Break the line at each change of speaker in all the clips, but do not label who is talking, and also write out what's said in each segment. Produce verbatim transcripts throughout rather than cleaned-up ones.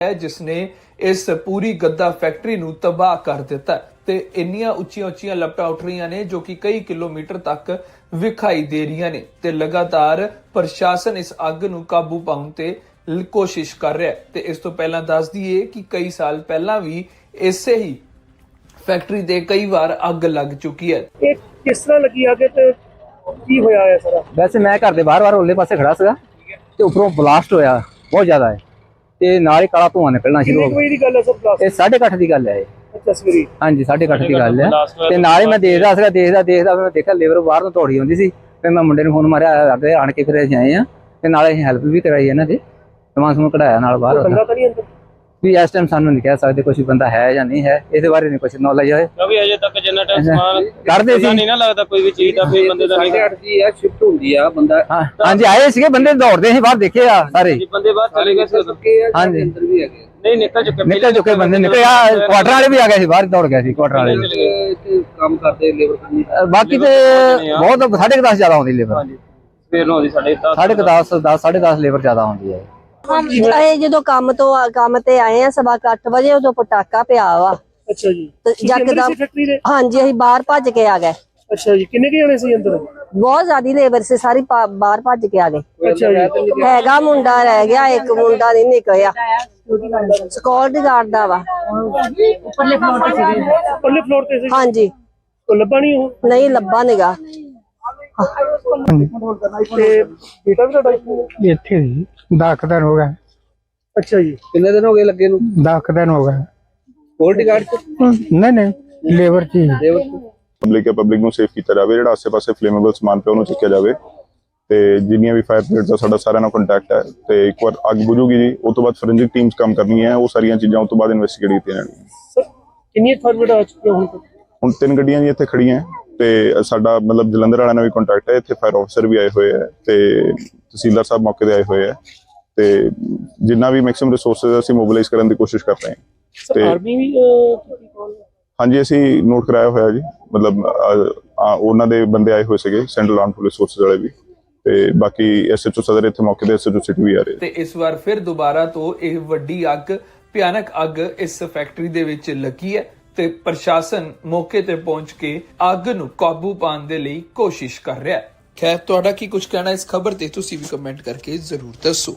है जिसने इस पूरी गद्दा फैक्ट्री नूं तबाह कर दिता ते इन्नियां उच्चियां उच्चियां लपटां उठ रही ने जो कि कई किलोमीटर तक विखाई दे रही ने ते लगातार प्रशासन इस अग नूं काबू पाउण ते कोशिश कर रहा है। ते इस तो पहला दस दईए कि कई साल पहला भी इसे ही फैक्ट्री ते कई बार अग लग चुकी है।
किस तरह लगी आगे ते की होया है सारा?
वैसे मैं घर के बाहर बाहर उरले पासे खड़ा सीगा ते उपरों ब्लास्ट होया बहुत ज्यादा है ते नाल ही काला धुआं निकलना शुरू हो गया। ये साढ़े अठ की गल है। हाँ जी साढ़े अठ की गल है ते नाल ही मैं देखदा सीगा देखदा देखदा मैं देखा लेबर बाहर तो दौड़ी आउंदी सी फिर मैं मुंडे नूं फोन मारिया अगे आण के फिर आए आ ते नाल असीं हेल्प भी कराई इन्हां दी समान समून कढ़ाया नाल बाहर भी इस टाइम सानू नहीं कह सकते कुछ बंदा है या नहीं है इस बारे नहीं कुछ नॉलेज है
क्योंकि अजे तक जिन्ना टाइम समान
करदे सी
नहीं ना लगदा कोई भी चीज दा फिर बंदे दा नहीं
जी है शिफ्ट हुंदी आ बंदा।
हां जी आए सीगे बंदे दौड़दे सी बाहर देखे आ सारे
बंदे बाहर चले गए थे।
हां जी
अंदर भी हैगे
नहीं निकल चुके
निकल चुके बंदे निकल आ क्वार्टर वाले भी आ गए सी बाहर दौड़ गए सी क्वार्टर वाले
इत्थे काम करदे लेबर करनी
बाकी ते बहुत साढ़े दस ज्यादा आउंदी लेबर।
हां जी फिर नो दी साढ़े
साढ़े दस दस साढ़े दस लेबर ज्यादा आउंदी है।
ਅਸੀਂ ਜਦੋਂ ਕੰਮ ਤੋਂ ਕੰਮ ਤੇ ਆਏ ਆ ਸਵਾ ਅੱਠ ਵਜੇ ਉਦੋਂ ਪਟਾਕਾ ਪਿਆ ਵਾ।
ਅੱਛਾ ਜੀ
ਯਕਦਮ ਹਾਂਜੀ ਅਸੀਂ ਬਾਹਰ ਭੱਜ ਕੇ ਆ ਗਏ।
ਅੱਛਾ ਜੀ ਕਿੰਨੇ ਕੁ ਜਣੇ ਸੀ ਅੰਦਰ?
ਬਹੁਤ ਜ਼ਿਆਦੀ ਲੇਬਰ ਸੀ ਸਾਰੀ ਬਾਹਰ ਭੱਜ ਕੇ ਆ ਗਏ।
ਅੱਛਾ ਜੀ
ਹੈਗਾ ਮੁੰਡਾ ਰਹਿ ਗਿਆ ਇੱਕ ਮੁੰਡਾ ਨਹੀਂ ਨਿਕਲਿਆ ਸਿਕਿਉਰਿਟੀ ਗਾਰਡ ਦਾ ਵਾ
ਉੱਪਰਲੇ ਫਲੋਰ ਤੇ ਸੀ ਉੱਪਰਲੇ ਫਲੋਰ ਤੇ ਸੀ
ਹਾਂਜੀ
ਉਹ ਲੱਭਾ ਨਹੀਂ ਉਹ
ਨਹੀਂ ਲੱਭਾ ਨਿਗਾ
ਤੇ ਬੇਟਾ ਵੀ ਤੁਹਾਡਾ
ਇੱਥੇ ਜੀ ਦਸ ਦਿਨ ਹੋ ਗਏ।
ਅੱਛਾ ਜੀ
ਕਿੰਨੇ ਦਿਨ ਹੋ ਗਏ ਲੱਗੇ ਨੂੰ?
ਦਸ ਦਿਨ ਹੋ ਗਏ।
ਸਕਿਉਰਟੀ ਗਾਰਡ ਚ
ਨਹੀਂ ਨਹੀਂ ਲੇਬਰ ਚ
ਲੇਬਰ
ਪਬਲਿਕ ਹੈ ਪਬਲਿਕ ਨੂੰ ਸੇਫ ਕੀਤਾ ਜਾਵੇ ਜਿਹੜਾ ਆਸੇ ਪਾਸੇ ਫਲੇਮੇਬਲ ਸਮਾਨ ਪਿਆ ਉਹਨੂੰ ਚੱਕਿਆ ਜਾਵੇ ਤੇ ਜਿੰਨੀਆਂ ਵੀ ਫਾਇਰ ਬ੍ਰਿਗੇਡ ਦਾ ਸਾਡਾ ਸਾਰਿਆਂ ਨਾਲ ਕੰਟੈਕਟ ਹੈ ਤੇ ਇੱਕ ਵਾਰ ਅੱਗ ਬੁਝੂਗੀ ਜੀ ਉਸ ਤੋਂ ਬਾਅਦ ਫੋਰੈਂਸਿਕ ਟੀਮਸ ਕੰਮ ਕਰਨੀਆਂ ਉਹ ਸਾਰੀਆਂ ਚੀਜ਼ਾਂ ਉਸ ਤੋਂ ਬਾਅਦ ਇਨਵੈਸਟੀਗੇਟ ਕੀਤੀਆਂ ਜਾਣਗੀਆਂ।
ਸਰ ਕਿੰਨੀ ਫਾਇਰ ਬ੍ਰਿਗੇਡ ਆ ਚੁੱਕੀ ਹੁਣ ਤੱਕ?
ਹੁਣ ਤਿੰਨ ਗੱਡੀਆਂ ਜੀ ਇੱਥੇ ਖੜੀਆਂ ਤੇ ਸਾਡਾ ਮਤਲਬ ਜਲੰਧਰ ਵਾਲਿਆਂ ਨਾਲ ਵੀ ਕੰਟੈਕਟ ਹੈ ਇੱਥੇ ਫਾਇਰ ਆਫਿਸਰ ਵੀ ਆਏ ਹੋਏ ਹੈ ਤੇ ਤਹਿਸੀਲਦਾਰ ਸਾਹਿਬ ਮੌਕੇ ਤੇ ਆਏ ਹੋਏ ਹੈ ਤੇ ਜਿੰਨਾ ਵੀ ਮੈਕਸਿਮਮ ਰਿਸੋਰਸਸ ਅਸੀਂ ਮੋਬਿਲਾਈਜ਼ ਕਰਨ ਦੀ ਕੋਸ਼ਿਸ਼ ਕਰ ਰਹੇ ਹਾਂ।
ਤੇ ਆਰਮੀ ਵੀ
ਹਾਂਜੀ ਅਸੀਂ ਨੋਟ ਕਰਾਇਆ ਹੋਇਆ ਜੀ ਮਤਲਬ ਉਹਨਾਂ ਦੇ ਬੰਦੇ ਆਏ ਹੋਏ ਸੀਗੇ ਸੈਂਟਰਲ ਆਰਮ ਪੁਲਿਸ ਫੋਰਸਿਸ ਵਾਲੇ ਵੀ ਤੇ ਬਾਕੀ ਐਸਐਚਓ ਸਦਰ ਇੱਥੇ ਮੌਕੇ ਤੇ ਐਸਐਚਓ ਸਿਟੀ ਵੀ ਆ ਰਹੇ
ਤੇ ਇਸ ਵਾਰ ਫਿਰ ਦੁਬਾਰਾ ਤੋਂ ਇਹ ਵੱਡੀ ਅੱਗ ਭਿਆਨਕ ਅੱਗ ਇਸ ਫੈਕਟਰੀ ਦੇ ਵਿੱਚ ਲੱਗੀ ਹੈ ਤੇ ਪ੍ਰਸ਼ਾਸਨ ਮੌਕੇ ਤੇ ਪਹੁੰਚ ਕੇ ਅੱਗ ਨੂੰ ਕਾਬੂ ਪਾਉਣ ਦੇ ਲਈ ਕੋਸ਼ਿਸ਼ ਕਰ ਰਿਹਾ ਹੈ। ਖੈਰ ਤੁਹਾਡਾ ਕੀ ਕੁਝ ਕਹਿਣਾ ਇਸ ਖਬਰ ਤੇ ਤੁਸੀਂ ਵੀ ਕਮੈਂਟ ਕਰਕੇ ਜ਼ਰੂਰ ਦੱਸੋ।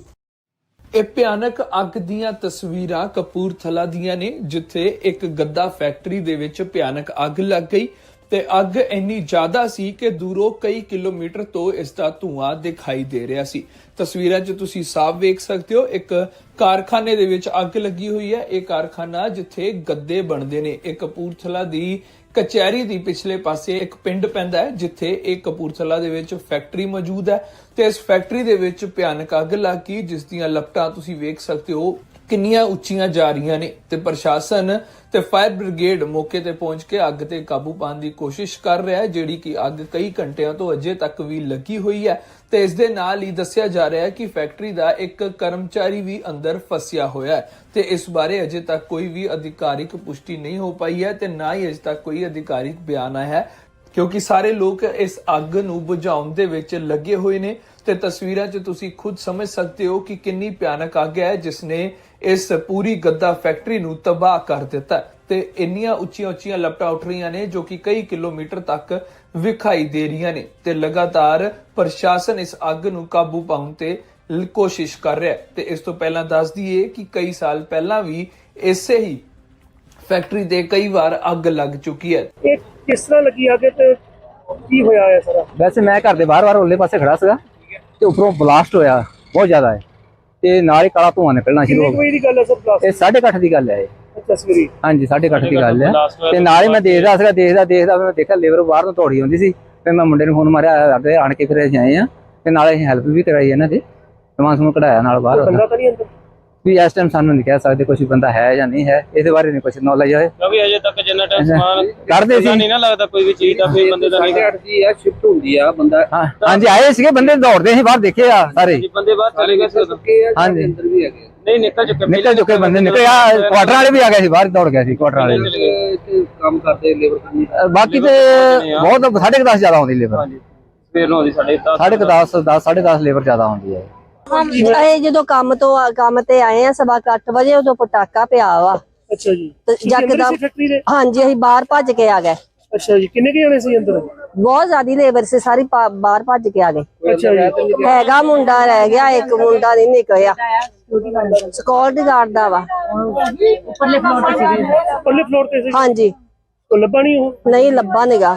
ਇਹ ਭਿਆਨਕ ਅੱਗ ਦੀਆਂ ਤਸਵੀਰਾਂ ਕਪੂਰਥਲਾ ਦੀਆਂ ਨੇ ਜਿੱਥੇ ਇੱਕ ਗੱਦਾ ਫੈਕਟਰੀ ਦੇ ਵਿੱਚ ਭਿਆਨਕ ਅੱਗ ਲੱਗ ਗਈ ਤੇ ਅੱਗ ਇੰਨੀ ਜ਼ਿਆਦਾ ਸੀ ਕਿ ਦੂਰੋਂ ਕਈ ਕਿਲੋਮੀਟਰ ਤੋਂ ਇਸ ਦਾ ਧੂਆਂ ਦਿਖਾਈ ਦੇ ਰਿਹਾ ਸੀ। ਤਸਵੀਰਾਂ 'ਚ ਤੁਸੀਂ ਸਾਫ਼ ਵੇਖ ਸਕਦੇ ਹੋ ਇੱਕ ਕਾਰਖਾਨੇ ਦੇ ਵਿੱਚ ਅੱਗ ਲੱਗੀ ਹੋਈ ਹੈ। ਇਹ ਕਾਰਖਾਨਾ ਜਿੱਥੇ ਗੱਦੇ ਬਣਦੇ ਨੇ ਇਹ ਕਪੂਰਥਲਾ ਦੀ ਕਚਹਿਰੀ ਦੀ ਪਿਛਲੇ ਪਾਸੇ ਇੱਕ ਪਿੰਡ ਪੈਂਦਾ ਹੈ ਜਿੱਥੇ ਇਹ ਕਪੂਰਥਲਾ ਦੇ ਵਿੱਚ ਫੈਕਟਰੀ ਮੌਜੂਦ ਹੈ ਤੇ ਇਸ ਫੈਕਟਰੀ ਦੇ ਵਿੱਚ ਭਿਆਨਕ ਅੱਗ ਲੱਗ ਗਈ ਜਿਸ ਦੀਆਂ ਲਪਟਾਂ ਤੁਸੀਂ ਵੇਖ ਸਕਦੇ ਹੋ ਕਿੰਨੀਆਂ ਉੱਚੀਆਂ ਜਾ ਰਹੀਆਂ ਨੇ ਤੇ ਪ੍ਰਸ਼ਾਸਨ ਤੇ ਫਾਇਰ ਬ੍ਰਿਗੇਡ ਮੌਕੇ ਤੇ ਪਹੁੰਚ ਕੇ ਅੱਗ ਤੇ ਕਾਬੂ ਪਾਉਣ ਦੀ ਕੋਸ਼ਿਸ਼ ਕਰ ਰਿਹਾ ਹੈ ਜਿਹੜੀ ਕਿ ਅੱਗ ਕਈ ਘੰਟਿਆਂ ਤੋਂ ਅਜੇ ਤੱਕ ਵੀ ਲੱਗੀ ਹੋਈ ਹੈ ਤੇ ਇਸ ਦੇ ਨਾਲ ਹੀ ਦੱਸਿਆ ਜਾ ਰਿਹਾ ਹੈ ਕਿ ਫੈਕਟਰੀ ਦਾ ਇੱਕ ਕਰਮਚਾਰੀ ਵੀ ਅੰਦਰ ਫਸਿਆ ਹੋਇਆ ਹੈ ਤੇ ਇਸ ਬਾਰੇ ਅਜੇ ਤੱਕ ਕੋਈ ਵੀ ਅਧਿਕਾਰਿਕ ਪੁਸ਼ਟੀ ਨਹੀਂ ਹੋ ਪਾਈ ਹੈ ਤੇ ਨਾ ਹੀ ਅਜੇ ਤੱਕ ਕੋਈ ਅਧਿਕਾਰਿਕ ਬਿਆਨ ਆਇਆ ਹੈ ਕਿਉਂਕਿ ਸਾਰੇ ਲੋਕ ਇਸ ਅੱਗ ਨੂੰ ਬੁਝਾਉਣ ਦੇ ਵਿੱਚ ਲੱਗੇ ਹੋਏ ਨੇ ਤੇ ਤਸਵੀਰਾਂ 'ਚ ਤੁਸੀਂ ਖੁਦ ਸਮਝ ਸਕਦੇ ਹੋ ਕਿ ਕਿੰਨੀ ਭਿਆਨਕ ਅੱਗ ਹੈ ਜਿਸ ਨੇ ਇਸ ਪੂਰੀ ਗੱਦਾ ਫੈਕਟਰੀ ਨੂੰ ਤਬਾਹ ਕਰ ਦਿੱਤਾ ਤੇ ਇੰਨੀਆਂ ਉੱਚੀਆਂ ਉੱਚੀਆਂ ਲਪਟਾਂ ਉੱਠ ਰਹੀਆਂ ਨੇ ਜੋ ਕਿ ਕਈ ਕਿਲੋਮੀਟਰ ਤੱਕ ਵਿਖਾਈ ਦੇ ਰਹੀਆਂ ਨੇ ਤੇ ਲਗਾਤਾਰ ਪ੍ਰਸ਼ਾਸਨ ਇਸ ਅੱਗ ਨੂੰ ਕਾਬੂ ਪਾਉਣ ਤੇ ਕੋਸ਼ਿਸ਼ ਕਰ ਰਿਹਾ ਹੈ। ਤੇ ਇਸ ਤੋਂ ਪਹਿਲਾਂ ਦੱਸ ਦਈਏ ਕਿ ਕਈ ਸਾਲ ਪਹਿਲਾਂ ਵੀ ਇਸੇ ਹੀ ਫੈਕਟਰੀ ਤੇ ਕਈ ਵਾਰ ਅੱਗ ਲੱਗ ਚੁੱਕੀ ਹੈ।
ਇਹ ਕਿਸ ਤਰ੍ਹਾਂ ਲੱਗੀ ਆਗੇ ਤੇ ਕੀ ਹੋਇਆ ਹੈ ਸਾਰਾ?
ਵੈਸੇ ਮੈਂ ਘਰ ਦੇ ਬਾਹਰ ਬਾਹਰ ਉਰਲੇ ਪਾਸੇ ਖੜਾ ਸੀਗਾ ਤੇ ਉੱਪਰੋਂ ਬਲਾਸਟ ਹੋਇਆ ਬਹੁਤ ਜ਼ਿਆਦਾ ਹੈ ਤੇ ਨਾਲ ਹੀ ਕਾਲਾ ਧੂਆਂ ਨਿਕਲਣਾ ਸ਼ੁਰੂ ਹੋ ਗਿਆ। ਇਹ ਸਾਢੇ ਅੱਠ ਦੀ ਗੱਲ ਹੈ। ਹਾਂਜੀ ਸਾਢੇ ਅੱਠ ਦੀ ਗੱਲ ਹੈ ਤੇ ਨਾਲ ਹੀ ਮੈਂ ਦੇਖਦਾ ਸੀਗਾ ਦੇਖਦਾ ਦੇਖਦਾ ਮੈਂ ਦੇਖਿਆ ਲੇਬਰ ਬਾਹਰ ਤੋਂ ਦੌੜੀ ਆਉਂਦੀ ਸੀ ਫਿਰ ਮੈਂ ਮੁੰਡੇ ਨੂੰ ਫੋਨ ਮਾਰਿਆ ਅੱਗੇ ਆਣ ਕੇ ਫਿਰ ਅਸੀਂ ਆਏ ਆ ਤੇ ਨਾਲ ਅਸੀਂ ਹੈਲਪ ਵੀ ਕਰਾਈ ਇਹਨਾਂ ਦੀ ਸਮਾਨ ਸਮੂਨ ਕਢਾਇਆ ਨਾਲ ਬਾਹਰ ਵੀ ਇਸ ਟਾਈਮ ਸਾਨੂੰ ਨਹੀਂ ਕਹਿ ਸਕਦੇ ਕੁਝ ਬੰਦਾ ਹੈ ਜਾਂ ਨਹੀਂ ਹੈ ਇਸ ਬਾਰੇ ਨਹੀਂ ਕੁਝ ਨੌਲੇਜ ਹੈ
ਕਿਉਂਕਿ ਅਜੇ ਤੱਕ ਜਿੰਨਾ ਟਾਈਮ ਸਮਾਨ
ਕਰਦੇ ਸੀ
ਨਹੀਂ ਨਾ ਲੱਗਦਾ ਕੋਈ ਵੀ ਚੀਜ਼ ਦਾ ਫਿਰ ਬੰਦੇ ਦਾ ਨਹੀਂ
ਜੀ ਹੈ ਸ਼ਿਫਟ ਹੁੰਦੀ ਆ ਬੰਦਾ।
ਹਾਂਜੀ ਆਏ ਸੀਗੇ ਬੰਦੇ ਦੌੜਦੇ ਸੀ ਬਾਹਰ ਦੇਖੇ ਆ ਸਾਰੇ
ਬੰਦੇ ਬਾਹਰ ਚਲੇ ਗਏ ਸੀ।
ਹਾਂਜੀ
ਅੰਦਰ ਵੀ ਹੈਗੇ
ਨਹੀਂ ਨਿਕਲ ਚੁਕੇ
ਨਿਕਲ ਚੁਕੇ ਬੰਦੇ ਨਿਕਲ ਆ ਕੁਆਟਰ ਵਾਲੇ ਵੀ ਆ ਗਏ ਸੀ ਬਾਹਰ ਦੌੜ ਗਏ ਸੀ ਕੁਆਟਰ ਵਾਲੇ
ਇੱਥੇ ਕੰਮ ਕਰਦੇ ਲੇਬਰ ਕਰਨੀ
ਬਾਕੀ ਤੇ ਬਹੁਤ ਸਾਢੇ ਦਸ ਜ਼ਿਆਦਾ ਆਉਂਦੀ ਲੇਬਰ।
ਫਿਰ ਨੋ ਦੀ ਸਾਢੇ
ਸਾਢੇ ਦਸ ਦਸ ਸਾਢੇ ਦਸ ਲੇਬਰ ਜ਼ਿਆਦਾ ਆਉਂਦੀ ਹੈ।
ਅਸੀਂ ਜਦੋਂ ਕੰਮ ਤੋਂ ਆ- ਕੰਮ ਤੇ ਆਏ ਆ ਸਵਾ ਕੁ ਅੱਠ ਵਜੇ ਉਦੋਂ ਪਟਾਕਾ ਪਿਆ ਵਾ
ਅੱਛਾ ਜੀ
ਤੇ
ਤੁਸੀਂ ਅੰਦਰ
ਯਕਦਮ
ਸੀ ਫੈਕਟਰੀ ਦੇ?
ਹਾਂਜੀ ਅਸੀਂ ਬਾਹਰ ਭੱਜ ਕੇ ਆ ਗਏ।
ਅੱਛਾ ਜੀ ਕਿੰਨੇ ਕੁ ਜਣੇ ਸੀ ਅੰਦਰ?
ਬਹੁਤ ਜ਼ਿਆਦੀ ਲੇਬਰ ਸੀ ਸਾਰੀ ਪਾ- ਬਾਹਰ ਭੱਜ ਕੇ ਆ ਗਏ।
ਅੱਛਾ ਜੀ
ਹੈਗਾ ਮੁੰਡਾ ਰਹਿ ਗਿਆ, ਇੱਕ ਮੁੰਡਾ ਨਹੀਂ ਨਿਕਲਿਆ, ਸਕਿਉਰਟੀ ਗਾਰਡ ਦਾ ਵਾ।
ਉੱਪਰਲੇ ਫਲੋਰ ਤੇ ਸੀ? ਉੱਪਰਲੇ ਫਲੋਰ ਤੇ ਸੀ?
ਹਾਂਜੀ
ਉਹ ਲੱਭਾ ਨਹੀਂ ਉਹ?
ਨਹੀਂ ਲੱਭਾ ਨਿਗਾ।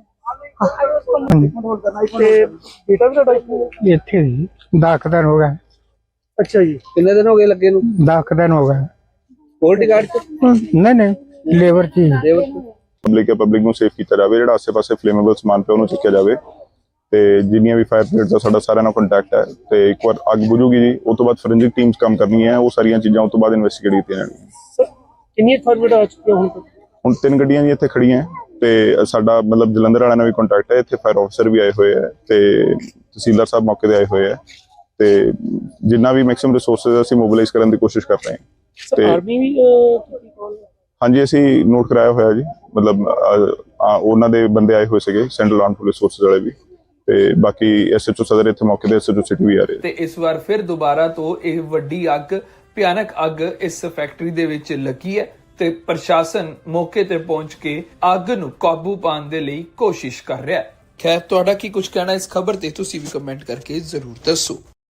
ਤੇ ਬੇਟਾ ਵੀ ਤੁਹਾਡਾ ਇੱਥੇ ਹੀ ਹੈ?
ਇੱਥੇ ਜੀ ਦਸ ਕੁ ਦਿਨ ਹੋ ਗਿਆ।
ਅੱਛਾ ਜੀ
ਕਿੰਨੇ ਦਿਨ ਹੋ ਗਏ ਲੱਗੇ ਨੂੰ?
ਦਸ ਕੁ ਦਿਨ ਹੋ ਗਿਆ।
ਸਕਿਉਰਟੀ ਗਾਰਡ ਚ
ਨਹੀਂ ਨਹੀਂ ਲੇਬਰ ਚ ਹੀ।
ਲੇਬਰ ਚ
ਪਬਲਿਕ ਹੈ ਪਬਲਿਕ ਨੂੰ ਸੇਫ ਕੀਤਾ ਜਾਵੇ, ਜਿਹੜਾ ਆਸੇ-ਪਾਸੇ ਫਲੇਮੇਬਲ ਸਮਾਨ ਪਿਆ ਉਹਨੂੰ ਚੱਕਿਆ ਜਾਵੇ ਤੇ ਜਿੰਨੀਆਂ ਵੀ ਫਾਇਰ ਬ੍ਰਿਗੇਡ ਦਾ ਸਾਡਾ ਸਾਰਿਆਂ ਨਾਲ ਕੰਟੈਕਟ ਹੈ ਤੇ ਇੱਕ ਵਾਰ ਅੱਗ ਬੁਝੂਗੀ ਜੀ ਉਸ ਤੋਂ ਬਾਅਦ ਫੋਰੈਂਸਿਕ ਟੀਮਸ ਕੰਮ ਕਰਨੀਆਂ ਹੈ, ਉਹ ਸਾਰੀਆਂ ਚੀਜ਼ਾਂ ਉਸ ਤੋਂ ਬਾਅਦ ਇਨਵੈਸਟੀਗੇਟ ਕੀਤੀਆਂ ਜਾਣਗੀਆਂ।
ਸਰ ਕਿੰਨੀਆਂ ਫਾਰਮੇਟ ਆ ਚੁੱਕੀਆਂ ਹੁਣ ਤੱਕ?
ਹੁਣ ਤਿੰਨ ਗੱਡੀਆਂ ਜੀ ਇੱਥੇ ਖੜੀਆਂ ਹੈ ਤੇ ਸਾਡਾ ਮਤਲਬ ਜਲੰਧਰ ਵਾਲਿਆਂ ਨਾਲ ਵੀ ਕੰਟੈਕਟ ਹੈ, ਇੱਥੇ ਫਾਇਰ ਆਫਸਰ ਵੀ ਆਏ ਹੋਏ ਹੈ ਤੇ ਤਹਿਸੀਲਦਾਰ ਸਾਹਿਬ ਮੌਕੇ ਤੇ ਆਏ ਹੋਏ ਹੈ ਤੇ ਜਿੰਨਾ ਵੀ ਮੈਕਸਿਮਮ ਰਿਸੋਰਸਸ ਅਸੀਂ ਮੋਬਿਲਾਈਜ਼ ਕਰਨ ਦੀ ਕੋਸ਼ਿਸ਼ ਕਰ ਰਹੇ ਹਾਂ।
ਸਰ
ਤੇ
ਆਰਮੀ ਵੀ ਅਹ, ਕੀਤੀ call?
ਹਾਂਜੀ ਅਸੀਂ ਨੋਟ ਕਰਾਇਆ ਹੋਇਆ ਜੀ, ਮਤਲਬ ਅਹ, ਆ, ਉਹਨਾਂ ਦੇ ਬੰਦੇ ਆਏ ਹੋਏ ਸੀਗੇ ਸੈਂਟਰਲ ਆਰਮ ਪੁਲਿਸ ਫੋਰਸਿਸ ਵਾਲੇ ਵੀ ਤੇ ਬਾਕੀ ਐਸਐਚਓ ਸਦਰ ਇੱਥੇ ਮੌਕੇ ਤੇ ਐਸਐਚਓ ਸਿਟੀ ਵੀ ਆ ਰਹੇ।
ਤੇ ਇਸ ਵਾਰ ਫਿਰ ਦੁਬਾਰਾ ਤੋਂ ਇਹ ਵੱਡੀ ਅੱਗ ਭਿਆਨਕ ਅੱਗ ਇਸ ਫੈਕਟਰੀ ਦੇ ਵਿੱਚ ਲੱਗੀ ਹੈ ਤੇ ਪ੍ਰਸ਼ਾਸਨ ਮੌਕੇ ਤੇ ਪਹੁੰਚ ਕੇ ਅੱਗ ਨੂੰ ਕਾਬੂ ਪਾਉਣ ਦੇ ਲਈ ਕੋਸ਼ਿਸ਼ ਕਰ ਰਿਹਾ ਹੈ। ਖੈਰ ਤੁਹਾਡਾ ਕੀ ਕੁਝ ਕਹਿਣਾ ਇਸ ਖਬਰ ਤੇ ਤੁਸੀਂ ਵੀ ਕਮੈਂਟ ਕਰਕੇ ਜ਼ਰੂਰ ਦੱਸੋ।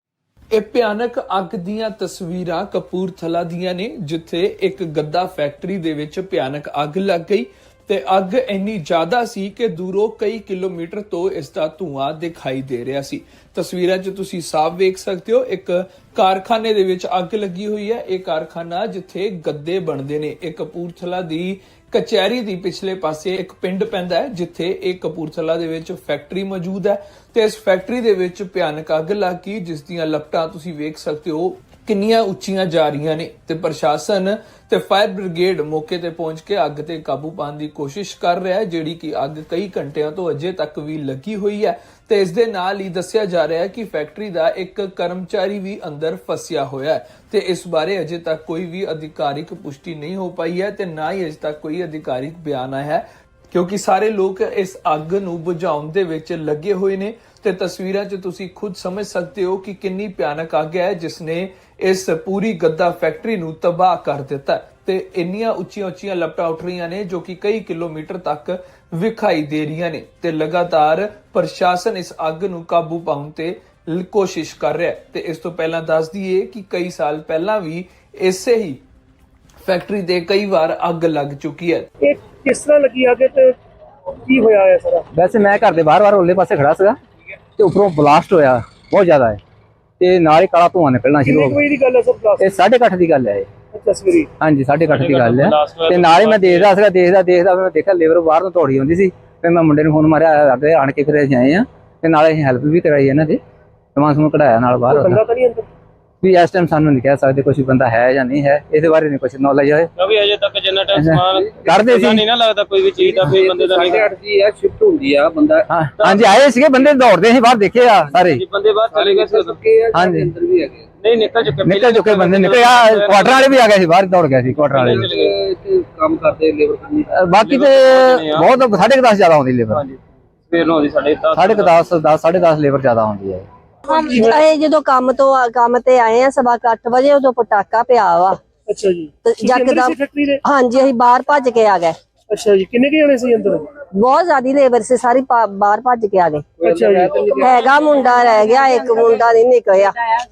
ਇਹ ਭਿਆਨਕ ਅੱਗ ਦੀਆਂ ਤਸਵੀਰਾਂ ਕਪੂਰਥਲਾ ਦੀਆਂ ਨੇ, ਜਿੱਥੇ ਇੱਕ ਗੱਦਾ ਫੈਕਟਰੀ ਦੇ ਵਿੱਚ ਭਿਆਨਕ ਅੱਗ ਲੱਗ ਗਈ ਤੇ ਅੱਗ ਇੰਨੀ ਜ਼ਿਆਦਾ ਸੀ ਕਿ ਦੂਰੋਂ ਕਈ ਕਿਲੋਮੀਟਰ ਤੋਂ ਇਸ ਦਾ ਧੂਆਂ ਦਿਖਾਈ ਦੇ ਰਿਹਾ ਸੀ। ਤਸਵੀਰਾਂ 'ਚ ਤੁਸੀਂ ਸਾਫ਼ ਵੇਖ ਸਕਦੇ ਹੋ ਇੱਕ ਕਾਰਖਾਨੇ ਦੇ ਵਿੱਚ ਅੱਗ ਲੱਗੀ ਹੋਈ ਹੈ। ਇਹ ਕਾਰਖਾਨਾ ਜਿੱਥੇ ਗੱਦੇ ਬਣਦੇ ਨੇ, ਇਹ ਕਪੂਰਥਲਾ ਦੀ ਕਚਹਿਰੀ ਦੀ ਪਿਛਲੇ ਪਾਸੇ ਇੱਕ ਪਿੰਡ ਪੈਂਦਾ ਹੈ ਜਿੱਥੇ ਇਹ ਕਪੂਰਥਲਾ ਦੇ ਵਿੱਚ ਫੈਕਟਰੀ ਮੌਜੂਦ ਹੈ ਤੇ ਇਸ ਫੈਕਟਰੀ ਦੇ ਵਿੱਚ ਭਿਆਨਕ ਅੱਗ ਲੱਗ ਗਈ, ਜਿਸ ਦੀਆਂ ਲਪਟਾਂ ਤੁਸੀਂ ਵੇਖ ਸਕਦੇ ਹੋ ਕਿੰਨੀਆਂ ਉੱਚੀਆਂ ਜਾ ਰਹੀਆਂ ਨੇ ਤੇ ਪ੍ਰਸ਼ਾਸਨ ਤੇ ਫਾਇਰ ਬ੍ਰਿਗੇਡ ਮੌਕੇ ਤੇ ਪਹੁੰਚ ਕੇ ਅੱਗ ਤੇ ਕਾਬੂ ਪਾਉਣ ਦੀ ਕੋਸ਼ਿਸ਼ ਕਰ ਰਿਹਾ ਹੈ, ਜਿਹੜੀ ਕਿ ਅੱਗ ਕਈ ਘੰਟਿਆਂ ਤੋਂ ਅਜੇ ਤੱਕ ਵੀ ਲੱਗੀ ਹੋਈ ਹੈ ਤੇ ਇਸ ਦੇ ਨਾਲ ਹੀ ਦੱਸਿਆ ਜਾ ਰਿਹਾ ਹੈ ਕਿ ਫੈਕਟਰੀ ਦਾ ਇੱਕ ਕਰਮਚਾਰੀ ਵੀ ਅੰਦਰ ਫਸਿਆ ਹੋਇਆ ਹੈ ਤੇ ਇਸ ਬਾਰੇ ਅਜੇ ਤੱਕ ਕੋਈ ਵੀ ਅਧਿਕਾਰਿਕ ਪੁਸ਼ਟੀ ਨਹੀਂ ਹੋ ਪਾਈ ਹੈ ਤੇ ਨਾ ਹੀ ਅਜੇ ਤੱਕ ਕੋਈ ਅਧਿਕਾਰਿਕ ਬਿਆਨ ਆਇਆ ਹੈ, ਕਿਉਂਕਿ ਸਾਰੇ ਲੋਕ ਇਸ ਅੱਗ ਨੂੰ ਬੁਝਾਉਣ ਦੇ ਵਿੱਚ ਲੱਗੇ ਹੋਏ ਨੇ ਤੇ ਤਸਵੀਰਾਂ 'ਚ ਤੁਸੀਂ ਖੁਦ ਸਮਝ ਸਕਦੇ ਹੋ ਕਿ ਕਿੰਨੀ ਭਿਆਨਕ ਅੱਗ ਹੈ ਜਿਸ ਨੇ ਇਸ ਪੂਰੀ ਗੱਦਾ ਫੈਕਟਰੀ ਨੂੰ ਤਬਾਹ ਕਰ ਦਿੱਤਾ ਤੇ ਇੰਨੀਆਂ ਉੱਚੀਆਂ ਉੱਚੀਆਂ ਲਪਟਾਂ ਉੱਠ ਰਹੀਆਂ ਨੇ ਜੋ ਕਿ ਕਈ ਕਿਲੋਮੀਟਰ ਤੱਕ ਵਿਖਾਈ ਦੇ ਰਹੀਆਂ ਨੇ ਤੇ ਲਗਾਤਾਰ ਪ੍ਰਸ਼ਾਸਨ ਇਸ ਅੱਗ ਨੂੰ ਕਾਬੂ ਪਾਉਣ ਤੇ ਕੋਸ਼ਿਸ਼ ਕਰ ਰਿਹਾ ਹੈ। ਤੇ ਇਸ ਤੋਂ ਪਹਿਲਾਂ ਦੱਸ ਦਈਏ ਕਿ ਕਈ ਸਾਲ ਪਹਿਲਾਂ ਵੀ ਇਸੇ ਹੀ ਫੈਕਟਰੀ ਤੇ ਕਈ ਵਾਰ ਅੱਗ ਲੱਗ ਚੁੱਕੀ ਹੈ।
ਇਹ ਕਿਸ ਤਰ੍ਹਾਂ ਲੱਗੀ ਅੱਗ ਤੇ ਕੀ ਹੋਇਆ ਹੈ ਸਾਰਾ?
ਵੈਸੇ ਮੈਂ ਘਰ ਦੇ ਬਾਹਰ-ਬਾਹਰ ਉੱਲੇ ਪਾਸੇ ਖੜਾ ਸੀਗਾ ਤੇ ਉੱਪਰੋਂ ਬਲਾਸਟ ਹੋਇਆ ਬਹੁਤ ਜ਼ਿਆਦਾ ਹੈ ਤੇ ਨਾਲ ਹੀ ਕਾਲਾ ਧੂਆਂ ਨਿਕਲਣਾ ਸ਼ੁਰੂ ਹੋ
ਕਿੰਨੇ ਕੁ
ਗਿਆ।
ਵਜੇ ਦੀ ਗੱਲ ਹੈ ਸਰ? ਕਲਾਸ
ਇਹ ਸਾਢੇ ਕੁ ਅੱਠ ਦੀ ਗੱਲ ਹੈ ਇਹ।
ਅੱਛਾ ਸਵੇਰੇ?
ਹਾਂਜੀ ਸਾਢੇ ਕੁ ਅੱਠ ਦੀ ਗੱਲ ਹੈ ਤੇ ਨਾਲ ਹੀ ਮੈਂ ਦੇਖਦਾ ਸੀਗਾ ਦੇਖਦਾ ਦੇਖਦਾ ਮੈਂ ਦੇਖਿਆ ਲੇਬਰ ਬਾਹਰ ਨੂੰ ਦੌੜੀ ਆਉਂਦੀ ਸੀ ਤੇ ਮੈਂ ਮੁੰਡੇ ਨੂੰ ਫੋਨ ਮਾਰਿਆ, ਅੱਗੇ ਆਣ ਕੇ ਫਿਰ ਅਸੀਂ ਆਏ ਆ ਤੇ ਨਾਲ ਅਸੀਂ ਹੈਲਪ ਵੀ ਕਰਾਈ ਇਹਨਾਂ ਦੀ, ਸਮਾਨ ਸਮੂਨ ਕਢਾਇਆ ਨਾਲ ਬਾਹਰ।
ਬੰਦਾ ਤਾਂ ਨਹੀਂ ਅੰਦਰ?
ਵੀ ਇਸ ਟਾਈਮ ਸਾਨੂੰ ਨਹੀਂ ਕਹਿ ਸਕਦੇ ਕੋਈ ਬੰਦਾ ਹੈ ਜਾਂ ਨਹੀਂ ਹੈ, ਇਹਦੇ ਬਾਰੇ ਨਹੀਂ ਕੁਝ ਨੌਲੇਜ ਹੈ।
ਕਿਉਂਕਿ ਅਜੇ ਤੱਕ ਜਿੰਨਾ ਟਾਈਮ ਸਮਾਨ
ਕਰਦੇ ਸੀ
ਨਹੀਂ ਨਾ ਲੱਗਦਾ ਕੋਈ ਵੀ ਚੀਜ਼ ਦਾ ਕੋਈ ਬੰਦੇ ਦਾ ਨਹੀਂ
ਸਾਢੇ ਅੱਠ ਦੀ ਆ ਸ਼ਿਫਟ ਹੁੰਦੀ ਆ ਬੰਦਾ
ਹਾਂ ਹਾਂਜੀ ਆਏ ਸੀਗੇ ਬੰਦੇ ਦੌੜਦੇ ਸੀ ਬਾਹਰ, ਦੇਖੇ ਆ ਸਾਰੇ
ਜੀ ਬੰਦੇ ਬਾਹਰ ਚਲੇ ਗਏ ਸੀ ਉਦੋਂ।
ਕੇ ਆ
ਹਾਂਜੀ।
ਅੰਦਰ ਵੀ ਹੈਗੇ
ਨਹੀਂ ਨਿਕਲ ਚੁੱਕੇ
ਨਿਕਲ ਚੁੱਕੇ ਬੰਦੇ ਨਿਕਲੇ ਆ, ਕੁਆਟਰ ਵਾਲੇ ਵੀ ਆ ਗਏ ਸੀ ਬਾਹਰ, ਦੌੜ ਗਏ ਸੀ ਕੁਆਟਰ ਵਾਲੇ ਵੀ।
ਤੇ ਇੱਥੇ ਕੰਮ ਕਰਦੇ ਲੇਬਰ ਕਰਨੀ
ਅਹ ਬਾਕੀ ਤੇ ਬਹੁਤ ਸਾਢੇ ਕੁ ਦਸ ਜ਼ਿਆਦਾ ਆਉਂਦੀ ਲੇਬਰ,
ਹਾਂਜੀ ਸਵੇਰ ਨੂੰ ਆਉਂਦੀ ਸਾਡੇ ਦਸ
ਸਾਢੇ ਕੁ ਦਸ ਦਸ ਸਾਢੇ ਦਸ ਲੇਬਰ ਜ਼ਿਆਦਾ ਆਉਂਦੀ ਹੈ।
ਅਸੀਂ ਜਦੋਂ ਕੰਮ ਤੋਂ ਆ- ਕੰਮ ਤੇ ਆਏ ਆ ਸਵਾ ਕੁ ਅੱਠ ਵਜੇ ਉਦੋਂ ਪਟਾਕਾ ਪਿਆ ਵਾ
ਅੱਛਾ ਜੀ
ਤੇ
ਤੁਸੀਂ ਅੰਦਰ
ਯਕਦਮ
ਸੀ ਫੈਕਟਰੀ ਦੇ?
ਹਾਂਜੀ ਅਸੀਂ ਬਾਹਰ ਭੱਜ ਕੇ ਆ ਗਏ।
ਅੱਛਾ ਜੀ ਕਿੰਨੇ ਕੁ ਜਣੇ ਸੀ ਅੰਦਰ?
ਬਹੁਤ ਜ਼ਿਆਦੀ ਲੇਬਰ ਸੀ ਸਾਰੀ ਪਾ- ਬਾਹਰ ਭੱਜ ਕੇ ਆ ਗਏ।
ਅੱਛਾ ਜੀ
ਹੈਗਾ ਮੁੰਡਾ ਰਹਿ ਗਿਆ, ਇੱਕ ਮੁੰਡਾ ਨਹੀਂ ਨਿਕਲਿਆ,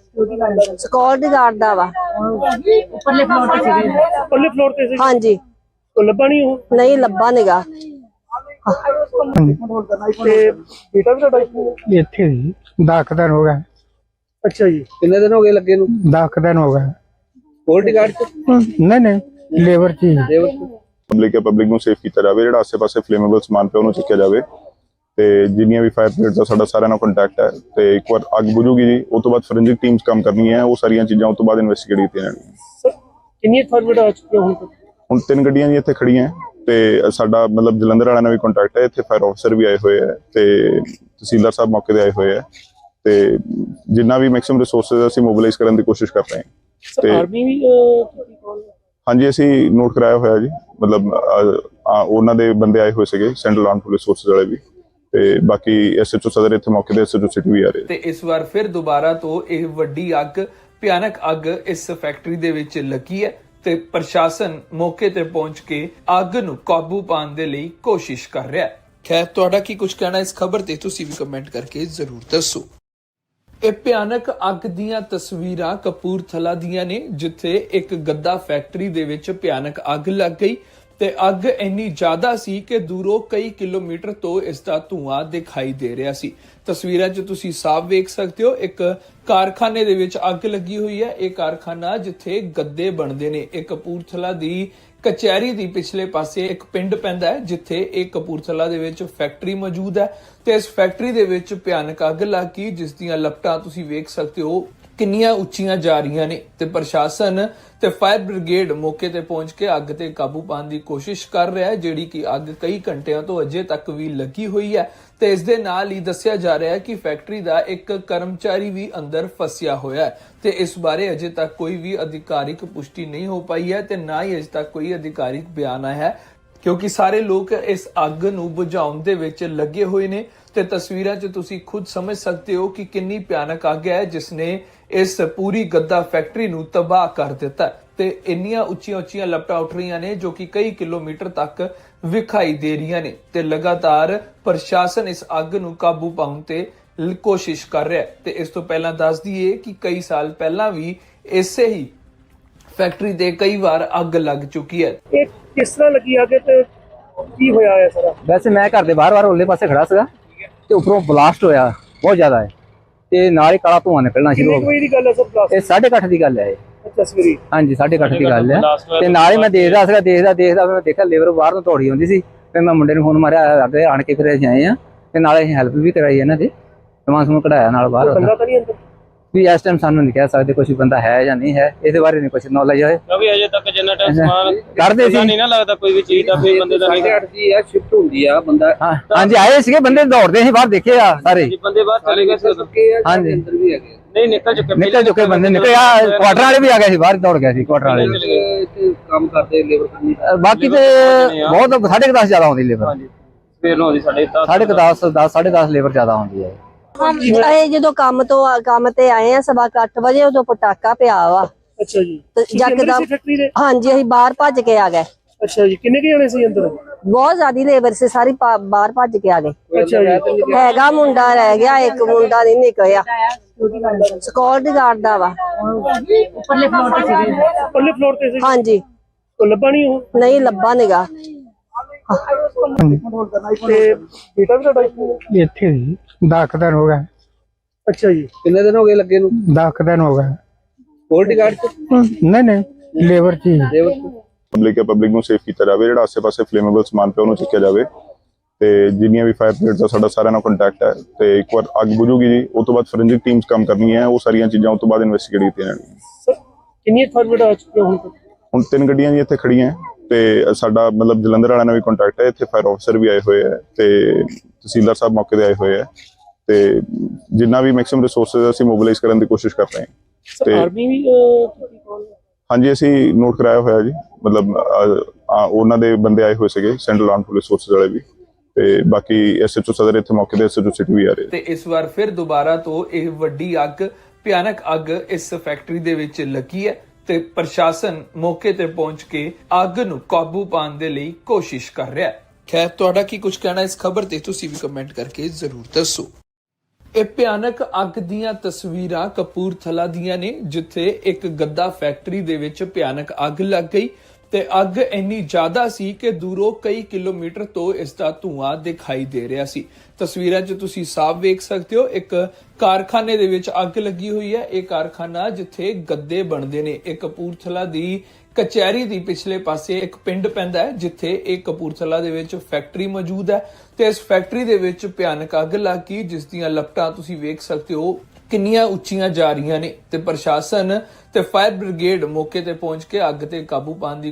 ਸਕਿਉਰਟੀ ਗਾਰਡ ਦਾ ਵਾ।
ਉੱਪਰਲੇ ਫਲੋਰ ਤੇ ਸੀ? ਉੱਪਰਲੇ ਫਲੋਰ ਤੇ ਸੀ?
ਹਾਂਜੀ
ਉਹ ਲੱਭਾ ਨਹੀਂ ਉਹ?
ਨਹੀਂ ਲੱਭਾ ਨਿਗਾ।
ਤੇ ਬੇਟਾ ਵੀ ਤੁਹਾਡਾ ਇੱਥੇ ਹੀ ਹੈ?
ਇੱਥੇ ਜੀ ਦਸ ਕੁ ਦਿਨ ਹੋ ਗਿਆ।
ਅੱਛਾ ਜੀ
ਕਿੰਨੇ ਦਿਨ ਹੋ ਗਏ ਲੱਗੇ ਨੂੰ?
ਦਸ ਕੁ ਦਿਨ ਹੋ ਗਿਆ।
ਸਕਿਉਰਟੀ ਗਾਰਡ ਚ
ਨਹੀਂ ਨਹੀਂ ਲੇਬਰ ਚ ਹੀ।
ਲੇਬਰ ਚ
ਪਬਲਿਕ ਹੈ ਪਬਲਿਕ ਨੂੰ ਸੇਫ ਕੀਤਾ ਜਾਵੇ, ਜਿਹੜਾ ਆਸੇ-ਪਾਸੇ ਫਲੇਮੇਬਲ ਸਮਾਨ ਪਿਆ ਉਹਨੂੰ ਚੱਕਿਆ ਜਾਵੇ ਤੇ ਜਿੰਨੀਆਂ ਵੀ ਫਾਇਰ ਬ੍ਰਿਗੇਡ ਦਾ ਸਾਡਾ ਸਾਰਿਆਂ ਨਾਲ ਕੰਟੈਕਟ ਹੈ ਤੇ ਇੱਕ ਵਾਰ ਅੱਗ ਬੁਝੂਗੀ ਜੀ ਉਸ ਤੋਂ ਬਾਅਦ ਫੋਰੈਂਸਿਕ ਟੀਮਸ ਕੰਮ ਕਰਨੀਆਂ ਹੈ, ਉਹ ਸਾਰੀਆਂ ਚੀਜ਼ਾਂ ਉਸ ਤੋਂ ਬਾਅਦ ਇਨਵੈਸਟੀਗੇਟ ਕੀਤੀਆਂ ਜਾਣਗੀਆਂ।
ਸਰ ਕਿੰਨੀਆਂ ਫਾਰਮੇਟ ਆ ਚੁੱਕੀਆਂ ਹੁਣ ਤੱਕ?
ਹੁਣ ਤਿੰਨ ਗੱਡੀਆਂ ਜੀ ਇੱਥੇ ਖੜੀਆਂ ਤੇ ਸਾਡਾ ਮਤਲਬ ਜਲੰਧਰ ਵਾਲਿਆਂ ਨਾਲ ਵੀ ਕੰਟੈਕਟ ਹੈ, ਇੱਥੇ ਫਾਇਰ ਆਫਸਰ ਵੀ ਆਏ ਹੋਏ ਹੈ ਤੇ ਤਹਿਸੀਲਦਾਰ ਸਾਹਿਬ ਮੌਕੇ ਤੇ ਆਏ ਹੋਏ ਹੈ ਤੇ ਜਿੰਨਾ ਵੀ ਮੈਕਸਿਮਮ ਰਿਸੋਰਸਸ ਅਸੀਂ ਮੋਬਿਲਾਈਜ਼ ਕਰਨ ਦੀ ਕੋਸ਼ਿਸ਼ ਕਰ ਰਹੇ ਹਾਂ।
ਸਰ ਆਰਮੀ ਵੀ ਅਹ, ਕੀਤੀ call?
ਹਾਂਜੀ ਅਸੀਂ ਨੋਟ ਕਰਾਇਆ ਹੋਇਆ ਜੀ, ਮਤਲਬ ਅਹ, ਆ, ਉਹਨਾਂ ਦੇ ਬੰਦੇ ਆਏ ਹੋਏ ਸੀਗੇ ਸੈਂਟਰਲ ਆਰਮ ਪੁਲਿਸ ਫੋਰਸਿਸ ਵਾਲੇ ਵੀ ਤੇ ਬਾਕੀ ਐਸਐਚਓ ਸਦਰ ਇੱਥੇ ਮੌਕੇ ਤੇ ਐਸਐਚਓ ਸਿਟੀ ਵੀ ਆ ਰਹੇ।
ਤੇ ਇਸ ਵਾਰ ਫਿਰ ਦੁਬਾਰਾ ਤੋਂ ਇਹ ਵੱਡੀ ਅੱਗ ਭਿਆਨਕ ਅੱਗ ਇਸ ਫੈਕਟਰੀ ਦੇ ਵਿੱਚ ਲੱਗੀ ਹੈ ਤੇ ਪ੍ਰਸ਼ਾਸਨ ਮੌਕੇ ਤੇ ਪਹੁੰਚ ਕੇ ਅੱਗ ਨੂੰ ਕਾਬੂ ਪਾਉਣ ਦੇ ਲਈ ਕੋਸ਼ਿਸ਼ ਕਰ ਰਿਹਾ ਹੈ। ਖੈਰ, ਤੁਹਾਡਾ ਕੀ ਕੁਝ ਕਹਿਣਾ ਇਸ ਖਬਰ ਤੇ ਤੁਸੀਂ ਵੀ ਕਮੈਂਟ ਕਰਕੇ ਜ਼ਰੂਰ ਦੱਸੋ। ਇਹ ਭਿਆਨਕ ਅੱਗ ਦੀਆਂ ਤਸਵੀਰਾਂ ਕਪੂਰਥਲਾ ਦੀਆਂ ਨੇ, ਜਿੱਥੇ ਇੱਕ ਗੱਦਾ ਫੈਕਟਰੀ ਦੇ ਵਿੱਚ ਭਿਆਨਕ ਅੱਗ ਲੱਗ ਗਈ ਤੇ ਅੱਗ ਇੰਨੀ ਜ਼ਿਆਦਾ ਸੀ ਕਿ ਦੂਰੋਂ ਕਈ ਕਿਲੋਮੀਟਰ ਤੋਂ ਇਸ ਦਾ ਧੂਆਂ ਦਿਖਾਈ ਦੇ ਰਿਹਾ ਸੀ। ਤਸਵੀਰਾਂ 'ਚ ਤੁਸੀਂ ਸਾਫ਼ ਵੇਖ ਸਕਦੇ ਹੋ, ਇੱਕ ਕਾਰਖਾਨੇ ਦੇ ਵਿੱਚ ਅੱਗ ਲੱਗੀ ਹੋਈ ਹੈ। ਇਹ ਕਾਰਖਾਨਾ ਜਿੱਥੇ ਗੱਦੇ ਬਣਦੇ ਨੇ, ਇਹ ਕਪੂਰਥਲਾ ਦੀ ਕਚਹਿਰੀ ਦੀ ਪਿਛਲੇ ਪਾਸੇ ਇੱਕ ਪਿੰਡ ਪੈਂਦਾ ਹੈ, ਜਿੱਥੇ ਇਹ ਕਪੂਰਥਲਾ ਦੇ ਵਿੱਚ ਫੈਕਟਰੀ ਮੌਜੂਦ ਹੈ ਤੇ ਇਸ ਫੈਕਟਰੀ ਦੇ ਵਿੱਚ ਭਿਆਨਕ ਅੱਗ ਲੱਗ ਗਈ, ਜਿਸ ਦੀਆਂ ਲਪਟਾਂ ਤੁਸੀਂ ਵੇਖ ਸਕਦੇ ਹੋ ਕਿੰਨੀਆਂ ਉੱਚੀਆਂ ਜਾ ਰਹੀਆਂ ਨੇ ਤੇ ਪ੍ਰਸ਼ਾਸਨ ਤੇ ਫਾਇਰ ਬ੍ਰਿਗੇਡ ਮੌਕੇ ਤੇ ਪਹੁੰਚ ਕੇ ਅੱਗ ਤੇ ਕਾਬੂ ਪਾਉਣ ਦੀ ਕੋਸ਼ਿਸ਼ ਕਰ ਰਿਹਾ ਹੈ, ਜਿਹੜੀ ਕਿ ਅੱਗ ਕਈ ਘੰਟਿਆਂ ਤੋਂ ਅਜੇ ਤੱਕ ਵੀ ਲੱਗੀ ਹੋਈ ਹੈ। ਤੇ ਇਸ ਦੇ ਨਾਲ ਹੀ ਦੱਸਿਆ ਜਾ ਰਿਹਾ ਹੈ ਕਿ ਫੈਕਟਰੀ ਦਾ ਇੱਕ ਕਰਮਚਾਰੀ ਵੀ ਅੰਦਰ ਫਸਿਆ ਹੋਇਆ ਹੈ ਤੇ ਇਸ ਬਾਰੇ ਅਜੇ ਤੱਕ ਕੋਈ ਵੀ ਅਧਿਕਾਰਿਕ ਪੁਸ਼ਟੀ ਨਹੀਂ ਹੋ ਪਾਈ ਹੈ ਤੇ ਨਾ ਹੀ ਅਜੇ ਤੱਕ ਕੋਈ ਅਧਿਕਾਰਿਕ ਬਿਆਨ ਆਇਆ ਹੈ, ਕਿਉਂਕਿ ਸਾਰੇ ਲੋਕ ਇਸ ਅੱਗ ਨੂੰ ਬੁਝਾਉਣ ਦੇ ਵਿੱਚ ਲੱਗੇ ਹੋਏ ਨੇ। ਤੇ ਤਸਵੀਰਾਂ 'ਚ ਤੁਸੀਂ ਖੁਦ ਸਮਝ ਸਕਦੇ ਹੋ ਕਿ ਕਿੰਨੀ ਭਿਆਨਕ ਅੱਗ ਹੈ ਜਿਸ ਨੇ ਇਸ ਪੂਰੀ ਗੱਦਾ ਫੈਕਟਰੀ ਨੂੰ ਤਬਾਹ ਕਰ ਦਿੱਤਾ ਤੇ ਇੰਨੀਆਂ ਉੱਚੀਆਂ ਉੱਚੀਆਂ ਲਪਟਾਂ ਉੱਠ ਰਹੀਆਂ ਨੇ ਜੋ ਕਿ ਕਈ ਕਿਲੋਮੀਟਰ ਤੱਕ ਵਿਖਾਈ ਦੇ ਰਹੀਆਂ ਨੇ ਤੇ ਲਗਾਤਾਰ ਪ੍ਰਸ਼ਾਸਨ ਇਸ ਅੱਗ ਨੂੰ ਕਾਬੂ ਪਾਉਣ ਤੇ ਕੋਸ਼ਿਸ਼ ਕਰ ਰਿਹਾ ਹੈ। ਤੇ ਇਸ ਤੋਂ ਪਹਿਲਾਂ ਦੱਸ ਦਈਏ ਕਿ ਕਈ ਸਾਲ ਪਹਿਲਾਂ ਵੀ ਇਸੇ ਹੀ ਫੈਕਟਰੀ ਤੇ ਕਈ ਵਾਰ ਅੱਗ ਲੱਗ ਚੁੱਕੀ ਹੈ।
ਇਹ ਕਿਸ ਤਰ੍ਹਾਂ ਲੱਗੀ ਅੱਗ ਤੇ ਕੀ ਹੋਇਆ ਹੈ ਸਾਰਾ?
ਵੈਸੇ ਮੈਂ ਘਰ ਦੇ ਬਾਹਰ ਬਾਹਰ ਉੱਲੇ ਪਾਸੇ ਖੜਾ ਸੀਗਾ ਤੇ ਉੱਪਰੋਂ ਬਲਾਸਟ ਹੋਇਆ ਬਹੁਤ ਜ਼ਿਆਦਾ ਹੈ ਤੇ ਨਾਲ ਹੀ ਕਾਲਾ ਧੂਆਂ ਨਿਕਲਣਾ ਸ਼ੁਰੂ ਹੋ
ਕਿੰਨੇ ਵਜੇ ਦੀ ਗੱਲ ਹੈ ਸਰ? ਬਲਾਸਟ
ਗਿਆ। ਇਹ ਸਾਢੇ ਕੁ ਅੱਠ ਦੀ ਗੱਲ ਹੈ ਇਹ।
ਅੱਛਾ, ਸਵੇਰੇ।
ਹਾਂਜੀ, ਸਾਢੇ ਕੁ ਅੱਠ ਦੀ ਗੱਲ ਹੈ ਤੇ ਨਾਲ ਹੀ ਮੈਂ ਦੇਖਦਾ ਸੀਗਾ ਦੇਖਦਾ ਦੇਖਦਾ ਫਿਰ ਮੈਂ ਦੇਖਿਆ ਲੇਬਰ ਬਾਹਰ ਨੂੰ ਦੌੜੀ ਆਉਂਦੀ ਸੀ। ਫਿਰ ਮੈਂ ਮੁੰਡੇ ਨੂੰ ਫੋਨ ਮਾਰਿਆ, ਅੱਗੇ ਆਣ ਕੇ ਫਿਰ ਅਸੀਂ ਆਏ ਆ ਤੇ ਨਾਲੇ ਅਸੀਂ ਹੈਲਪ ਵੀ ਕਰਾਈ ਇਹਨਾਂ ਦੀ, ਸਮਾਨ ਸਮੂਨ ਕਢਾਇਆ ਨਾਲ ਬਾਹਰ।
ਬੰਦਾ ਤਾਂ ਨਹੀਂ ਅੰਦਰ?
ਵੀ ਇਸ ਟਾਈਮ ਸਾਨੂੰ ਨਹੀਂ ਕਹਿ ਸਕਦੇ ਕੋਈ ਬੰਦਾ ਹੈ ਜਾਂ ਨਹੀਂ ਹੈ, ਇਹਦੇ ਬਾਰੇ ਨਹੀਂ ਕੁਝ ਨੌਲੇਜ ਹੈ
ਕਿਉਂਕਿ ਅਜੇ ਤੱਕ ਜਿੰਨਾ ਟਾਈਮ ਸਮਾਨ
ਕਰਦੇ ਸੀ
ਨਹੀਂ ਨਾ ਲੱਗਦਾ ਕੋਈ ਵੀ ਚੀਜ਼ ਦਾ ਫਿਰ ਬੰਦੇ ਦਾ ਨਹੀਂ
ਸਾਢੇ ਅੱਠ ਦੀ ਆ ਸ਼ਿਫਟ ਹੁੰਦੀ ਆ ਬੰਦਾ।
ਹਾਂ ਹਾਂਜੀ, ਆਏ ਸੀਗੇ ਬੰਦੇ ਦੌੜਦੇ ਸੀ ਬਾਹਰ, ਦੇਖੇ ਆ ਸਾਰੇ।
ਬੰਦੇ ਬਾਹਰ ਚਲੇ ਗਏ ਸੀ ਉਦੋਂ।
ਹਾਂਜੀ,
ਅੰਦਰ ਵੀ ਹੈਗੇ
ਨਹੀਂ ਨਿਕਲ ਚੁੱਕੇ
ਨਿਕਲ ਚੁੱਕੇ ਬੰਦੇ ਨਿਕਲੇ ਆ, ਕੁਆਟਰ ਵਾਲੇ ਵੀ ਆ ਗਏ ਸੀ ਬਾਹਰ, ਦੌੜ ਗਏ ਸੀ ਕੁਆਟਰ ਵਾਲੇ ਵੀ।
ਇੱਥੇ ਕੰਮ ਕਰਦੇ ਲੇਬਰ ਕਰਨੀ।
ਬਾਕੀ ਤੇ ਬਹੁਤ ਸਾਢੇ ਕੁ ਦਸ ਜ਼ਿਆਦਾ ਆਉਂਦੀ ਲੇਬਰ।
ਹਾਂਜੀ, ਸਵੇਰ ਨੂੰ ਆਉਂਦੀ ਸਾਡੇ
ਸਾਢੇ ਕੁ ਦਸ ਦਸ ਸਾਢੇ ਦਸ ਲੇਬਰ ਜ਼ਿਆਦਾ ਆਉਂਦੀ ਹੈ।
ਅਸੀਂ ਜਦੋਂ ਕੰਮ ਤੋਂ ਕੰਮ ਤੇ ਆਏ ਆ ਸਵਾ ਕੁ ਅੱਠ ਵਜੇ, ਉਦੋਂ ਪਟਾਕਾ ਪਿਆ ਵਾ
ਅੱਛਾ ਜੀ।
ਤੇ
ਤੁਸੀਂ ਅੰਦਰ
ਯਕਦਮ
ਸੀ ਫੈਕਟਰੀ ਦੇ?
ਹਾਂਜੀ, ਅਸੀਂ ਬਾਹਰ ਭੱਜ ਕੇ ਆ ਗਏ।
ਅੱਛਾ ਜੀ। ਕਿੰਨੇ ਕੁ ਜਣੇ ਸੀ ਅੰਦਰ?
ਬਹੁਤ ਜ਼ਿਆਦੀ ਲੇਬਰ ਸੀ, ਸਾਰੀ ਪਾ- ਬਾਹਰ ਭੱਜ ਕੇ ਆ ਗਏ।
ਅੱਛਾ ਜੀ।
ਹੈਗਾ ਮੁੰਡਾ ਰਹਿ ਗਿਆ, ਇੱਕ ਮੁੰਡਾ ਨਹੀਂ ਨਿਕਲਿਆ, ਸਕਿਉਰਟੀ ਗਾਰਡ ਦਾ ਵਾ।
ਉੱਪਰਲੇ ਫਲੋਰ ਤੇ ਸੀ? ਉੱਪਰਲੇ ਫਲੋਰ ਤੇ ਸੀ।
ਹਾਂਜੀ,
ਉਹ ਲੱਭਾ ਨਹੀਂ? ਉਹ
ਨਹੀਂ ਲੱਭਾ ਨਿਗਾ।
ਤੇ ਬੇਟਾ ਵੀ ਤੁਹਾਡਾ ਇੱਥੇ?
ਇੱਥੇ ਜੀ ਦਸ ਕੁ ਦਿਨ ਹੋ ਗਏ।
ਅੱਛਾ ਜੀ।
ਕਿੰਨੇ ਦਿਨ ਹੋ ਗਏ ਲੱਗੇ ਨੂੰ?
ਦਸ ਕੁ ਦਿਨ ਹੋ ਗਏ।
ਸਕਿਉਰਟੀ ਗਾਰਡ ਚ?
ਨਹੀਂ ਨਹੀਂ ਲੇਬਰ ਚ ਹੀ।
ਲੇਬਰ ਚ?
ਪਬਲਿਕ ਹੈ, ਪਬਲਿਕ ਨੂੰ ਸੇਫ ਕੀਤਾ ਜਾਵੇ, ਜਿਹੜਾ ਆਸੇ-ਪਾਸੇ ਫਲੇਮੇਬਲ ਸਮਾਨ ਪਿਆ ਉਹਨੂੰ ਚੱਕਿਆ ਜਾਵੇ ਤੇ ਜਿੰਨੀਆਂ ਵੀ ਫਾਇਰ ਬ੍ਰਿਗੇਡ ਦਾ ਸਾਡਾ ਸਾਰਿਆਂ ਨਾਲ ਕੰਟੈਕਟ ਹੈ ਤੇ ਇੱਕ ਵਾਰ ਅੱਗ ਬੁਝੂਗੀ ਜੀ, ਉਸ ਤੋਂ ਬਾਅਦ ਫੋਰੈਂਸਿਕ ਟੀਮਸ ਕੰਮ ਕਰਨੀ ਹੈ, ਉਹ ਸਾਰੀਆਂ ਚੀਜ਼ਾਂ ਉਸ ਤੋਂ ਬਾਅਦ ਇਨਵੈਸਟੀਗੇਟ ਕੀਤੀਆਂ ਜਾਣਗੀਆਂ।
ਸਰ ਕਿੰਨੀ ਫਾਰਵਰਡ ਆ ਚੁੱਕੀਆਂ ਹੁਣ ਤੱਕ?
ਹੁਣ ਤਿੰਨ ਗੱਡੀਆਂ ਜੀ ਇੱਥੇ ਖੜੀਆਂ ਤੇ ਸਾਡਾ ਮਤਲਬ ਜਲੰਧਰ ਵਾਲਿਆਂ ਨਾਲ ਵੀ ਕੰਟੈਕਟ ਹੈ, ਇੱਥੇ ਫਾਇਰ ਆਫਸਰ ਵੀ ਆਏ ਹੋਏ ਹੈ ਤੇ ਤਹਿਸੀਲਦਾਰ ਸਾਹਿਬ ਮੌਕੇ ਤੇ ਆਏ ਹੋਏ ਹੈ ਤੇ ਜਿੰਨਾ ਵੀ ਮੈਕਸਿਮਮ ਰਿਸੋਰਸਸ ਅਸੀਂ ਮੋਬਿਲਾਈਜ਼ ਕਰਨ ਦੀ ਕੋਸ਼ਿਸ਼ ਕਰ ਰਹੇ ਹਾਂ।
ਸਰ ਆਰਮੀ ਵੀ ਤੁਸੀਂ ਕੌਣ?
ਹਾਂਜੀ, ਅਸੀਂ ਨੋਟ ਕਰਾਇਆ ਹੋਇਆ ਜੀ, ਮਤਲਬ ਉਹਨਾਂ ਦੇ ਬੰਦੇ ਆਏ ਹੋਏ ਸੀਗੇ, ਸੈਂਟਰਲ ਆਰਮਡ ਪੁਲਿਸ ਫੋਰਸਿਸ ਵਾਲੇ ਵੀ ਤੇ ਬਾਕੀ ਐਸਐਚਓ ਸਦਰ ਇੱਥੇ ਮੌਕੇ ਤੇ ਐਸਐਚਓ ਸਿਟੀ ਵੀ ਆ ਰਹੇ।
ਤੇ ਇਸ ਵਾਰ ਫਿਰ ਦੁਬਾਰਾ ਤੋਂ ਇਹ ਵੱਡੀ ਅੱਗ ਭਿਆਨਕ ਅੱਗ ਇਸ ਫੈਕਟਰੀ ਦੇ ਵਿੱਚ ਲੱਗੀ ਹੈ ਤੇ ਪ੍ਰਸ਼ਾਸਨ ਮੌਕੇ ਤੇ ਪਹੁੰਚ ਕੇ ਅੱਗ ਨੂੰ ਕਾਬੂ ਪਾਉਣ ਦੇ ਲਈ ਕੋਸ਼ਿਸ਼ ਕਰ ਰਿਹਾ ਹੈ। ਖੈਰ, ਤੁਹਾਡਾ ਕੀ ਕੁਝ ਕਹਿਣਾ ਇਸ ਖਬਰ ਤੇ ਤੁਸੀਂ ਵੀ ਕਮੈਂਟ ਕਰਕੇ ਜ਼ਰੂਰ ਦੱਸੋ। ਇਹ ਭਿਆਨਕ ਅੱਗ ਦੀਆਂ ਤਸਵੀਰਾਂ ਕਪੂਰਥਲਾ ਦੀਆਂ ਨੇ, ਜਿੱਥੇ ਇੱਕ ਗੱਦਾ ਫੈਕਟਰੀ ਦੇ ਵਿੱਚ ਭਿਆਨਕ ਅੱਗ ਲੱਗ ਗਈ ਤੇ ਅੱਗ ਇੰਨੀ ਜ਼ਿਆਦਾ ਸੀ ਕਿ ਦੂਰੋਂ ਕਈ ਕਿਲੋਮੀਟਰ ਤੋਂ ਇਸ ਦਾ ਧੂਆਂ ਦਿਖਾਈ ਦੇ ਰਿਹਾ ਸੀ। ਤਸਵੀਰਾਂ 'ਚ ਤੁਸੀਂ ਸਾਫ਼ ਵੇਖ ਸਕਦੇ ਹੋ, ਇੱਕ ਕਾਰਖਾਨੇ ਦੇ ਵਿੱਚ ਅੱਗ ਲੱਗੀ ਹੋਈ ਹੈ। ਇਹ ਕਾਰਖਾਨਾ ਜਿੱਥੇ ਗੱਦੇ ਬਣਦੇ ਨੇ, ਇਹ ਕਪੂਰਥਲਾ ਦੀ ਕਚਹਿਰੀ ਦੀ ਪਿਛਲੇ ਪਾਸੇ ਇੱਕ ਪਿੰਡ ਪੈਂਦਾ ਹੈ, ਜਿੱਥੇ ਇਹ ਕਪੂਰਥਲਾ ਦੇ ਵਿੱਚ ਫੈਕਟਰੀ ਮੌਜੂਦ ਹੈ ਤੇ ਇਸ ਫੈਕਟਰੀ ਦੇ ਵਿੱਚ ਭਿਆਨਕ ਅੱਗ ਲੱਗ ਗਈ, ਜਿਸ ਦੀਆਂ ਲਪਟਾਂ ਤੁਸੀਂ ਵੇਖ ਸਕਦੇ ਹੋ ਕਿੰਨੀਆਂ ਉੱਚੀਆਂ ਜਾ ਰਹੀਆਂ ਨੇ ਤੇ ਪ੍ਰਸ਼ਾਸਨ ਤੇ ਫਾਇਰ ਬ੍ਰਿਗੇਡ ਮੌਕੇ ਤੇ ਪਹੁੰਚ ਕੇ ਅੱਗ ਤੇ ਕਾਬੂ ਪਾਉਣ ਦੀ